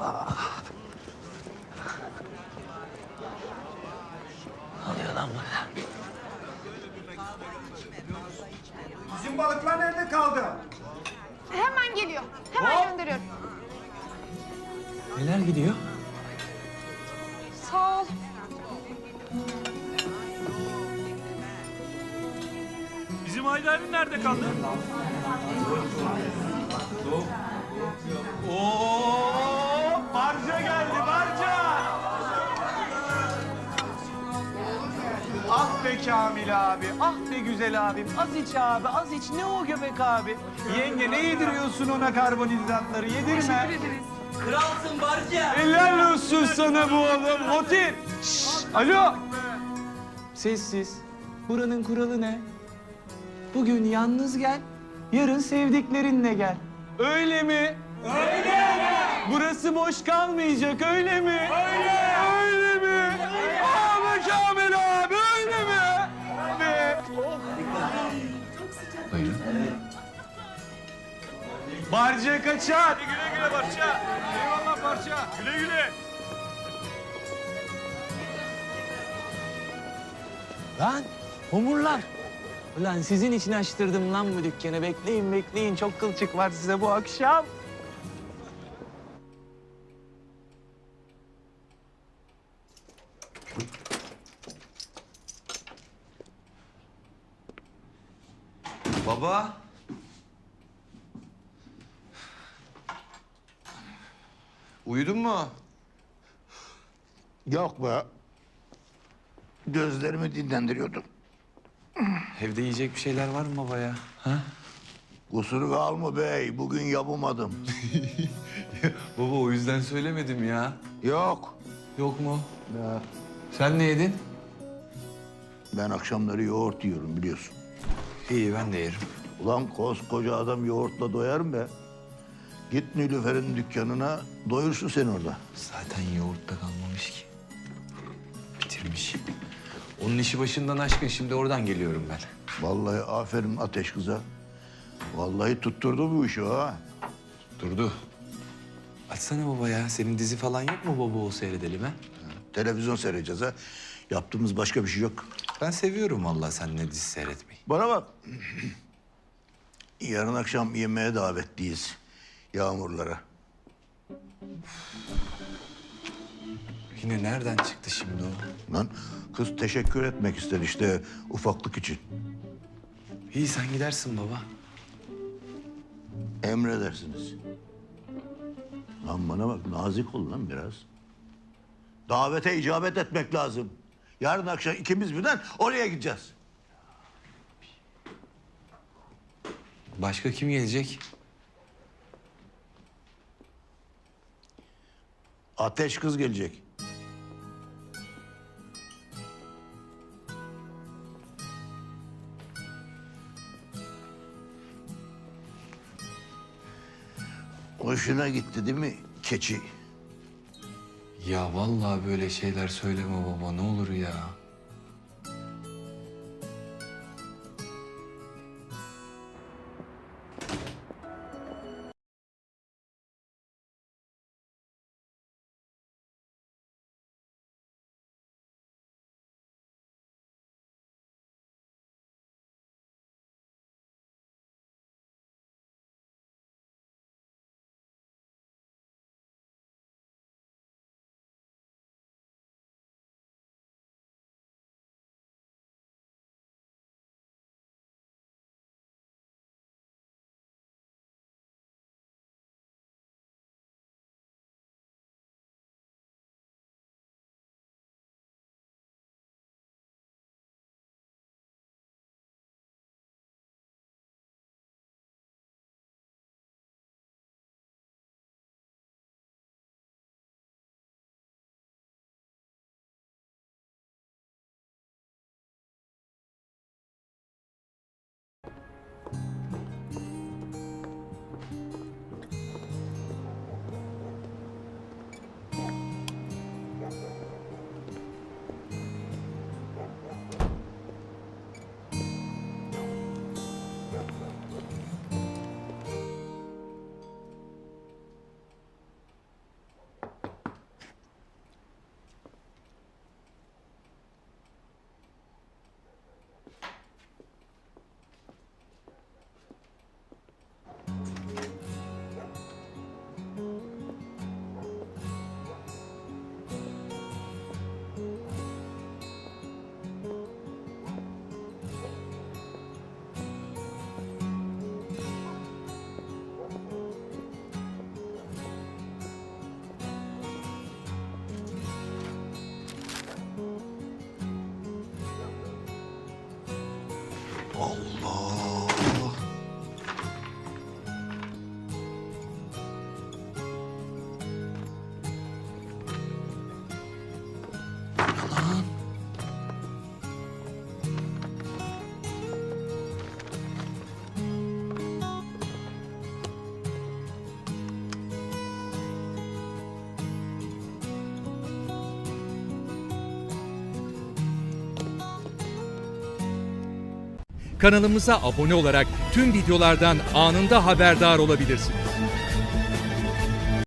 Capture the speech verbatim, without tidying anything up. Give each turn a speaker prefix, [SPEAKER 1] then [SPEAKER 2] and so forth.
[SPEAKER 1] Ne oluyor lan burada?
[SPEAKER 2] Bizim balıklar nerede kaldı?
[SPEAKER 3] Hemen geliyor. Hemen gönderiyorum.
[SPEAKER 1] Neler gidiyor?
[SPEAKER 3] Sağ ol.
[SPEAKER 4] Bizim Haydari nerede kaldı?
[SPEAKER 2] Oo, barca geldi, barca! Ah be Kamil abi, ah be güzel abim. Az iç abi, az iç. Ne o göbek abi? Yenge ne yediriyorsun ona karbonhidratları? Yedirme.
[SPEAKER 1] Kralsın Barca.
[SPEAKER 2] Helal olsun sana bu oğlum. Motif. Şşş, alo. Sessiz. Buranın kuralı ne? Bugün yalnız gel, yarın sevdiklerinle gel. Öyle mi? Öyle. Burası boş kalmayacak, öyle mi? Öyle. Öyle mi? Abi Kamil abi, öyle mi? Be.
[SPEAKER 1] Buyurun.
[SPEAKER 2] Barca kaçar.
[SPEAKER 4] Güle güle parça. Eyvallah parça. Güle güle.
[SPEAKER 1] Lan homurlar. Ulan sizin için açtırdım lan bu dükkanı. Bekleyin bekleyin. Çok kılçık var size bu akşam.
[SPEAKER 5] Baba. Uyudun mu?
[SPEAKER 6] Yok be. Gözlerimi dinlendiriyordum.
[SPEAKER 5] Evde yiyecek bir şeyler var mı baba ya? Ha?
[SPEAKER 6] Kusuru kalma bey, bugün yapamadım.
[SPEAKER 5] Baba o yüzden söylemedim ya.
[SPEAKER 6] Yok.
[SPEAKER 5] Yok mu?
[SPEAKER 6] Ya.
[SPEAKER 5] Sen ne yedin?
[SPEAKER 6] Ben akşamları yoğurt yiyorum biliyorsun.
[SPEAKER 5] İyi ben de yerim.
[SPEAKER 6] Ulan koskoca adam yoğurtla doyar mı be? Git Nilüfer'in dükkanına, doyursun sen orada.
[SPEAKER 5] Zaten yoğurtta kalmamış ki. Bitirmiş. Onun işi başından aşkın, şimdi oradan geliyorum ben.
[SPEAKER 6] Vallahi aferin ateş kıza. Vallahi tutturdu bu işi ha.
[SPEAKER 5] Durdu. Açsana baba ya. Senin dizi falan yok mu baba, o seyredelim ha?
[SPEAKER 6] Televizyon seyredeceğiz ha. Yaptığımız başka bir şey yok.
[SPEAKER 5] Ben seviyorum vallahi seninle dizi seyretmeyi.
[SPEAKER 6] Bana bak. Yarın akşam yemeğe davetliyiz. Yağmurlara.
[SPEAKER 5] Yine nereden çıktı şimdi o?
[SPEAKER 6] Lan kız teşekkür etmek ister işte ufaklık için.
[SPEAKER 5] İyi sen gidersin baba.
[SPEAKER 6] Emredersiniz. Lan bana bak nazik ol lan biraz. Davete icabet etmek lazım. Yarın akşam ikimiz birden oraya gideceğiz.
[SPEAKER 5] Başka kim gelecek?
[SPEAKER 6] Ateş kız gelecek. Hoşuna gitti değil mi keçi?
[SPEAKER 5] Ya vallahi böyle şeyler söyleme baba, ne olur ya. Allah. Yalan.
[SPEAKER 7] Kanalımıza abone olarak tüm videolardan anında haberdar olabilirsiniz.